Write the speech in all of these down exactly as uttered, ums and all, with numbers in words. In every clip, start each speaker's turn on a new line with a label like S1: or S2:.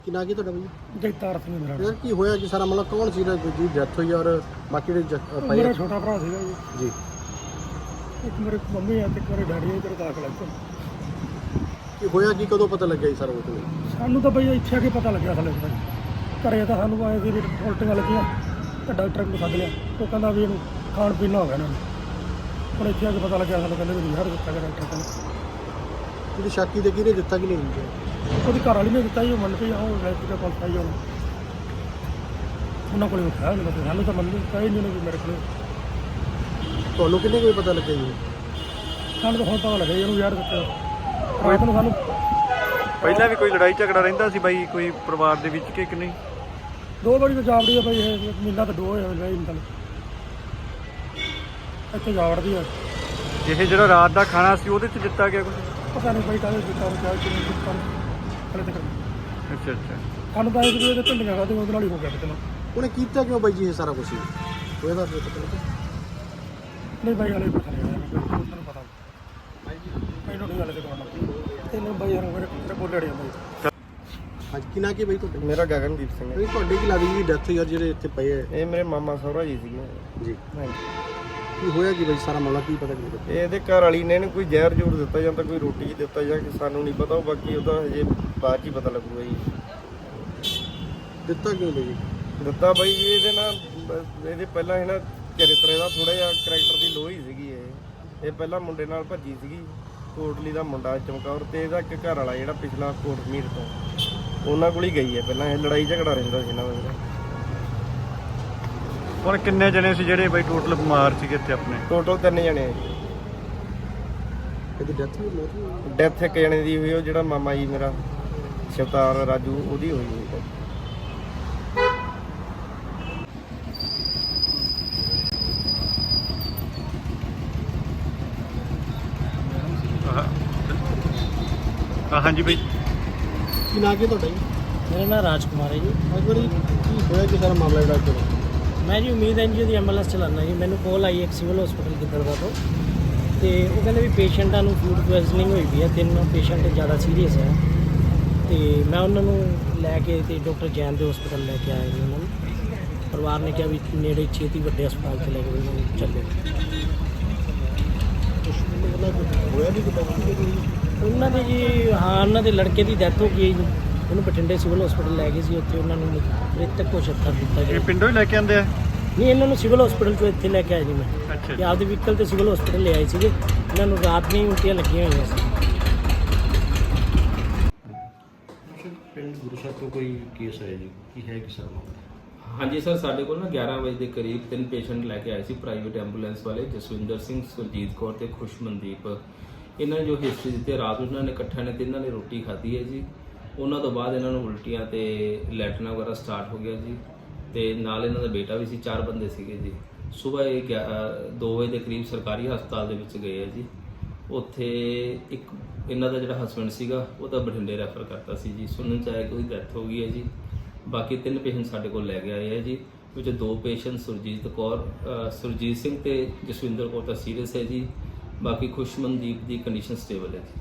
S1: ਕੀ ਨਾਂ ਕੀ ਤੁਹਾਡਾ ਬਈ?
S2: ਜਗਤਾਰ ਸਿੰਘ ਮੇਰਾ
S1: ਯਾਰ ਕੀ ਹੋਇਆ ਜੀ ਸਾਰਾ ਮਤਲਬ ਕੌਣ ਸੀ ਜਿਹਦੀ ਡੈਥ ਹੋਈ ਔਰ ਬਾਕੀ ਜਿਹੜੇ ਜ- ਪਏ
S2: ਮੇਰਾ ਛੋਟਾ ਭਰਾ ਸੀਗਾ ਜੀ।
S1: ਜੀ
S2: ਇੱਕ ਮੇਰੇ ਮੰਮੀ ਆ ਤੇ ਇੱਕ ਮੇਰੇ ਡੈਡੀ ਆ ਇੱਧਰ ਦਾਖਲ ਆ ਇੱਥੇ।
S1: ਕੀ ਹੋਇਆ ਕੀ ਕਦੋਂ ਪਤਾ ਲੱਗਿਆ ਜੀ ਸਾਰਾ ਕੁਝ?
S2: ਸਾਨੂੰ ਤਾਂ ਬਈ ਇੱਥੇ ਆ ਕੇ ਪਤਾ ਲੱਗਿਆ ਥੱਲੇ ਬਈ ਘਰੇ ਤਾਂ ਸਾਨੂੰ ਆਏ ਸੀ ਵੀ ਉਲਟੀਆਂ ਲੱਗੀਆਂ ਤਾਂ ਡਾਕਟਰ ਨੂੰ ਸੱਦ ਲਿਆ। ਉਹ ਕਹਿੰਦਾ ਵੀ ਇਹਨੂੰ ਖਾਣ ਪੀਣ ਹੋ ਗਿਆ ਇਹਨਾਂ ਨੂੰ। ਹੁਣ ਇੱਥੇ ਆ ਕੇ ਪਤਾ ਲੱਗਿਆ ਸਾਨੂੰ ਕਹਿੰਦੇ ਵੀ ਹਰ ਦਿੱਤਾ ਗਿਆ ਡਾਕਟਰ ਕਹਿੰਦੇ।
S1: ਜਿਹਦੀ ਸ਼ਾਕੀ ਦੇ ਕਿਹਨੇ ਦਿੱਤਾ ਕਿ ਨਹੀਂ ਦਿੱਤਾ?
S2: ਉਹਦੀ ਘਰ ਵਾਲੀ ਨੇ ਦਿੱਤਾ ਜੀ। ਉਹ ਮੰਨ ਪਈ ਉਹ ਵੈਸੇ ਦਾ ਕੋਲ ਪਾਈ ਉਹਨੂੰ ਉਹਨਾਂ ਕੋਲ ਉੱਠਿਆ ਮੈਨੂੰ ਤਾਂ ਸਾਨੂੰ ਤਾਂ ਮੰਨ ਨਹੀਂ ਕਹੀ ਨਹੀਂ ਵੀ ਮੇਰੇ ਕੋਲ।
S1: ਤੁਹਾਨੂੰ ਕਿੰਨੇ ਕੋਈ ਪਤਾ ਲੱਗਿਆ ਜੀ?
S2: ਸਾਨੂੰ ਤਾਂ ਹੁਣ ਪਤਾ ਲੱਗਿਆ ਜੀ ਇਹਨੂੰ ਯਾਰ ਦਿੱਤਾ ਰਾਤ ਨੂੰ ਸਾਨੂੰ।
S3: ਪਹਿਲਾਂ ਵੀ ਕੋਈ ਲੜਾਈ ਝਗੜਾ ਰਹਿੰਦਾ ਸੀ ਬਾਈ ਕੋਈ ਪਰਿਵਾਰ ਦੇ ਵਿੱਚ ਕਿ ਕਿ ਨਹੀਂ?
S2: ਦੋ ਵਾਰੀ ਤਾਂ ਜਾਵੜੀ ਆ ਬਈ ਇਹ ਮਹੀਨਾ ਤਾਂ ਦੋ ਹੋਇਆ ਰਹੀ ਇੰਤਲ ਇੱਥੇ ਜਾਵੜਦੀ ਆ।
S3: ਇਹ ਜਿਹੜਾ ਰਾਤ ਦਾ ਖਾਣਾ ਸੀ ਉਹਦੇ 'ਚ ਦਿੱਤਾ ਗਿਆ ਕੁਝ?
S2: ਪਤਾ ਨਹੀਂ ਬਈ ਕਾਹਦੇ ਦਿੱਤਾ ਉਹ ਕਿਹਾ ਕਿਵੇਂ ਦਿੱਤਾ ਹਲੇ ਤੱਕ
S3: ਅੱਛਾ ਅੱਛਾ।
S2: ਸਾਨੂੰ ਤਾਂ ਇਹ ਵੀ ਇਹਦੇ ਢਿੱਲੀਆਂ ਖਾਦੇ ਉਹਦੇ ਨਾਲ ਹੀ ਹੋ ਗਿਆ ਕਿਤੇ ਨਾ।
S1: ਉਹਨੇ ਕੀਤਾ ਕਿਉਂ ਬਾਈ ਜੀ ਇਹ ਸਾਰਾ ਕੁਝ? ਹੋਇਆ ਦਾ ਪਤਾ ਲੱਗਾ?
S2: ਨਹੀਂ ਬਾਈ ਹਲੇ ਪਤਾ ਨਹੀਂ ਤੁਹਾਨੂੰ ਪਤਾ ਮੈਨੂੰ ਨਹੀਂ ਹਲੇ ਤੇ ਕੋਲ ਤੈਨੂੰ ਬਾਈ ਯਾਰ ਮੇਰੇ ਮੇਰੇ ਬੋਲੇ ਅੜਿਆ ਬਾਈ।
S1: ਅੱਜ ਕੀ ਨਾਂ ਕੀ ਬਾਈ ਤੁਹਾਡੇ?
S4: ਮੇਰਾ ਗਗਨਦੀਪ ਸਿੰਘ ਹੈ।
S1: ਬਈ ਤੁਹਾਡੇ ਕੀ ਲੱਗਦੀ ਜੀ ਡੈਥ ਯਾਰ ਜਿਹੜੇ ਇੱਥੇ ਪਏ ਹੈ?
S4: ਇਹ ਮੇਰੇ ਮਾਮਾ ਸਹੁਰਾ ਜੀ ਸੀਗੇ।
S1: ਜੀ
S4: ਹਾਂਜੀ।
S1: ਕੀ ਹੋਇਆ ਕੀ ਬਾਈ ਸਾਰਾ ਮਾਮਲਾ ਕੀ ਪਤਾ ਨਹੀਂ ਲੱਗਿਆ?
S4: ਇਹ ਇਹਦੇ ਘਰ ਵਾਲੀ ਨੇ ਇਹਨੂੰ ਕੋਈ ਜ਼ਹਿਰ ਜ਼ੂਰ ਦਿੱਤਾ ਜਾਂ ਤਾਂ ਕੋਈ ਰੋਟੀ ਦਿੱਤਾ ਜਾਂ ਕਿ ਸਾਨੂੰ ਨਹੀਂ ਪਤਾ। ਉਹ ਬਾਕੀ ਉਹਦਾ ਹਜੇ ਬਾਅਦ 'ਚ ਹੀ ਪਤਾ ਲੱਗੂਗਾ ਜੀ।
S1: ਦਿੱਤਾ ਕਿਉਂ ਬਾਈ ਜੀ?
S4: ਦਿੱਤਾ ਬਾਈ ਜੀ ਇਹਦੇ ਨਾਲ ਬ- ਇਹਦੇ ਪਹਿਲਾਂ ਇਹ ਨਾ ਚਰਿੱਤਰ ਇਹਦਾ ਥੋੜਾ ਜਿਹਾ ਕਰੈਕਟਰ ਦੀ ਲੋਹ ਹੀ ਸੀਗੀ। ਇਹ ਇਹ ਪਹਿਲਾਂ ਮੁੰਡੇ ਨਾਲ ਭੱਜੀ ਸੀਗੀ ਕੋਟਲੀ ਦਾ ਮੁੰਡਾ ਚਮਕੌਰ ਤੇ ਇਹਦਾ ਇੱਕ ਘਰ ਵਾਲਾ ਜਿਹੜਾ ਪਿਛਲਾ ਕੋਟਮੀਰ ਤੋਂ ਉਹਨਾਂ ਕੋਲ ਹੀ ਗਈ ਹੈ। ਪਹਿਲਾਂ ਇਹ ਲੜਾਈ ਝਗੜਾ ਰਹਿੰਦਾ ਸੀ ਇਹਨਾਂ ਦਾ।
S3: ਹੁਣ ਕਿੰਨੇ ਜਣੇ ਸੀ ਜਿਹੜੇ ਬਾਈ ਟੋਟਲ ਬਿਮਾਰ ਸੀਗੇ ਇੱਥੇ ਆਪਣੇ?
S4: ਟੋਟਲ ਤਿੰਨ ਜਣੇ ਆ ਜੀ।
S1: ਇਹਦੀ ਡੈਥ ਵੀ ਮੌਤ ਹੋਈ?
S4: ਡੈਥ ਇੱਕ ਜਣੇ ਦੀ ਹੋਈ, ਉਹ ਜਿਹੜਾ ਮਾਮਾ ਜੀ ਮੇਰਾ ਸ਼ਵਤਾਰ ਰਾਜੂ ਉਹਦੀ ਹੋਈ ਹੋਈ ਹੈ।
S3: ਹਾਂ ਹਾਂਜੀ ਬਾਈ।
S1: ਕੀ ਨਾਂ ਕੀ ਤੁਹਾਡਾ ਜੀ?
S2: ਮੇਰਾ ਨਾਮ ਰਾਜਕੁਮਾਰ ਹੈ ਜੀ।
S1: ਅੱਜ ਵਾਰੀ ਕੀ ਹੋਇਆ ਕੀ ਸਾਰਾ ਮਾਮਲਾ ਜਿਹੜਾ ਇੱਥੇ?
S2: ਮੈਂ ਜੀ ਉਮੀਦ ਐਨਜੀਓ ਦੀ ਐਮਐਲਐਸ ਚਲਾਉਂਦਾ ਜੀ। ਮੈਨੂੰ ਕੋਲ ਆਈ ਇੱਕ ਸਿਵਲ ਹਸਪੀਟਲ ਗਿੱਦੜਵਾ ਤੋਂ ਤੇ ਉਹ ਕਹਿੰਦੇ ਵੀ ਪੇਸ਼ੈਂਟਾਂ ਨੂੰ ਫੂਡ ਪੋਇਜ਼ਨਿੰਗ ਹੋਈ ਵੀ ਹੈ। ਤਿੰਨ ਪੇਸ਼ੈਂਟ ਜ਼ਿਆਦਾ ਸੀਰੀਅਸ ਹੈ ਤੇ ਮੈਂ ਉਹਨਾਂ ਨੂੰ ਲੈ ਕੇ ਤੇ ਡਾਕਟਰ ਜੈਨ ਦੇ ਹਸਪੀਟਲ ਲੈ ਕੇ ਆਇਆ ਜੀ। ਉਹਨਾਂ ਨੂੰ ਪਰਿਵਾਰ ਨੇ ਕਿਹਾ ਵੀ ਨੇੜੇ ਛੇਤੀ ਵੱਡੇ ਹਸਪਤਾਲ 'ਚ ਲੈ ਕੇ ਉਹਨਾਂ ਨੂੰ ਚੱਲੋ।
S1: ਹੋਇਆ ਨਹੀਂ ਪਤਾ?
S2: ਉਹਨਾਂ ਦੇ ਜੀ ਹਾਂ ਉਹਨਾਂ ਦੇ ਲੜਕੇ ਦੀ ਡੈਥ ਹੋ ਗਈ ਜੀ। ਉਹਨੂੰ ਬਠਿੰਡੇ ਸਿਵਲ ਹਸਪੀਟਲ ਲੈ ਗਏ ਸੀ। ਉੱਥੇ ਉਹਨਾਂ ਨੂੰ ਮ੍ਰਿਤਕ ਘੋਸ਼ਿਤ ਕਰ ਦਿੱਤਾ
S3: ਇਹ
S2: ਗਿਆ।
S3: ਪਿੰਡੋਂ ਹੀ ਲੈ ਕੇ ਆਂਦੇ ਆ?
S2: ਨਹੀਂ ਇਹਨਾਂ ਨੂੰ ਸਿਵਲ ਹਸਪੀਟਲ ਤੋਂ ਇੱਥੇ ਲੈ ਕੇ ਆਏ ਜੀ ਮੈਂ।
S3: ਅੱਛਾ
S2: ਕਿ ਆਪਦੇ ਵਹੀਕਲ ਤੇ ਸਿਵਲ ਹਸਪੀਟਲ ਲੈ ਆਏ ਸੀਗੇ। ਇਹਨਾਂ ਨੂੰ ਰਾਤ ਨੂੰ ਹੀ ਉਲਟੀਆਂ ਲੱਗੀਆਂ ਹੋਈਆਂ ਸੀ।
S5: ਪਿੰਡ ਗੁਰੂਸਰ ਤੋਂ ਕੋਈ ਕੇਸ ਆਇਆ ਜੀ, ਕੀ ਹੈ ਕਿ ਸਰ ਮਾਮਲਾ?
S6: ਹਾਂਜੀ ਸਰ, ਸਾਡੇ ਕੋਲ ਨਾ ਗਿਆਰਾਂ ਵਜੇ ਦੇ ਕਰੀਬ ਤਿੰਨ ਪੇਸ਼ੈਂਟ ਲੈ ਕੇ ਆਏ ਸੀ ਪ੍ਰਾਈਵੇਟ ਐਂਬੂਲੈਂਸ ਵਾਲੇ, ਜਸਵਿੰਦਰ ਸਿੰਘ, ਸੁਰਜੀਤ ਕੌਰ ਤੇ ਖੁਸ਼ਮਨਦੀਪ। ਇਹਨਾਂ ਨੇ ਜੋ ਹਿਸਟਰੀ ਦਿੱਤੀ, ਰਾਤ ਨੂੰ ਇਹਨਾਂ ਨੇ ਇਕੱਠਿਆਂ ਨੇ ਤਿੰਨਾਂ ਨੇ ਰੋਟੀ ਖਾਧੀ ਹੈ ਜੀ। ਉਹਨਾਂ ਤੋਂ ਬਾਅਦ ਇਹਨਾਂ ਨੂੰ ਉਲਟੀਆਂ ਤੇ ਲੈਟਨਾ ਵਗੈਰਾ ਸਟਾਰਟ ਹੋ ਗਿਆ ਜੀ ਤੇ ਨਾਲ ਇਹਨਾਂ ਦਾ ਬੇਟਾ ਵੀ ਸੀ। ਚਾਰ ਬੰਦੇ ਸੀਗੇ ਜੀ। ਸਵੇਰ ਇਹ ਗਿਆ- ਅ, ਦੋ ਵਜੇ ਦੇ ਕਰੀਬ ਸਰਕਾਰੀ ਹਸਪਤਾਲ ਦੇ ਵਿੱਚ ਗਏ ਆ ਜੀ। ਉੱਥੇ ਇੱਕ ਇਹਨਾਂ ਦਾ ਜਿਹੜਾ ਹਸਬੈਂਡ ਸੀਗਾ ਉਹ ਤਾਂ ਬਠਿੰਡੇ ਰੈਫਰ ਕਰਤਾ ਸੀ ਜੀ। ਸੁਣਨ ਚ ਆਇਆ ਕਿ ਉਹਦੀ ਡੈਥ ਹੋ ਗਈ ਹੈ ਜੀ। ਬਾਕੀ ਤਿੰਨ ਪੇਸ਼ੈਂਟ ਸਾਡੇ ਕੋਲ ਲੈ ਕੇ ਆਏ ਆ ਜੀ, ਵਿੱਚ ਦੋ ਪੇਸ਼ੈਂਟ ਸੁਰਜੀਤ ਕੌਰ ਅ, ਸੁਰਜੀਤ ਸਿੰਘ ਤੇ ਜਸਵਿੰਦਰ ਕੌਰ ਤਾਂ ਸੀਰੀਅਸ ਹੈ ਜੀ। ਬਾਕੀ ਖੁਸ਼ਮਨਦੀਪ ਦੀ ਕੰਡੀਸ਼ਨ ਸਟੇਬਲ ਹੈ ਜੀ।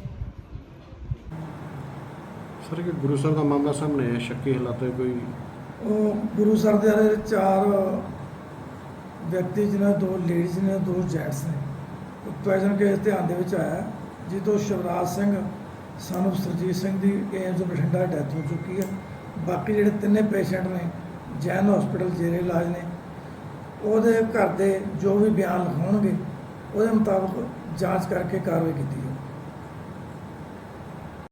S1: ਸਰ ਕਿ ਗੁਰੂਸਰ ਦਾ ਮਾਮਲਾ ਸਾਹਮਣੇ ਆਇਆ, ਸ਼ੱਕੀ ਹਾਲਾਤ ਹੈ ਕੋਈ?
S7: ਉਹ ਗੁਰੂ ਸਰ ਦੇ ਵਾਲੇ ਚਾਰ ਵਿਅਕਤੀ ਜਿਹਨਾਂ ਦੋ ਲੇਡੀਜ਼ ਨੇ ਦੋ ਜੈਂਟਸ ਨੇ। ਪੋਇਜ਼ਨ ਕੇਸ ਧਿਆਨ ਦੇ ਵਿੱਚ ਆਇਆ ਜਿਸ ਤੋਂ ਸ਼ਿਵਰਾਜ ਸਿੰਘ ਸਾਨੂੰ ਸਰਜੀਤ ਸਿੰਘ ਦੀ ਏਮਜ਼ ਬਠਿੰਡਾ ਡੈਥ ਹੋ ਚੁੱਕੀ ਹੈ। ਬਾਕੀ ਜਿਹੜੇ ਤਿੰਨੇ ਪੇਸ਼ੈਂਟ ਨੇ ਜੈਨ ਹਸਪੀਟਲ ਜੇਰੇ ਇਲਾਜ ਨੇ। ਉਹਦੇ ਘਰ ਦੇ ਜੋ ਵੀ ਬਿਆਨ ਲਿਖਾਉਣਗੇ ਉਹਦੇ ਮੁਤਾਬਕ ਜਾਂਚ ਕਰਕੇ ਕਾਰਵਾਈ ਕੀਤੀ ਜਾਊ।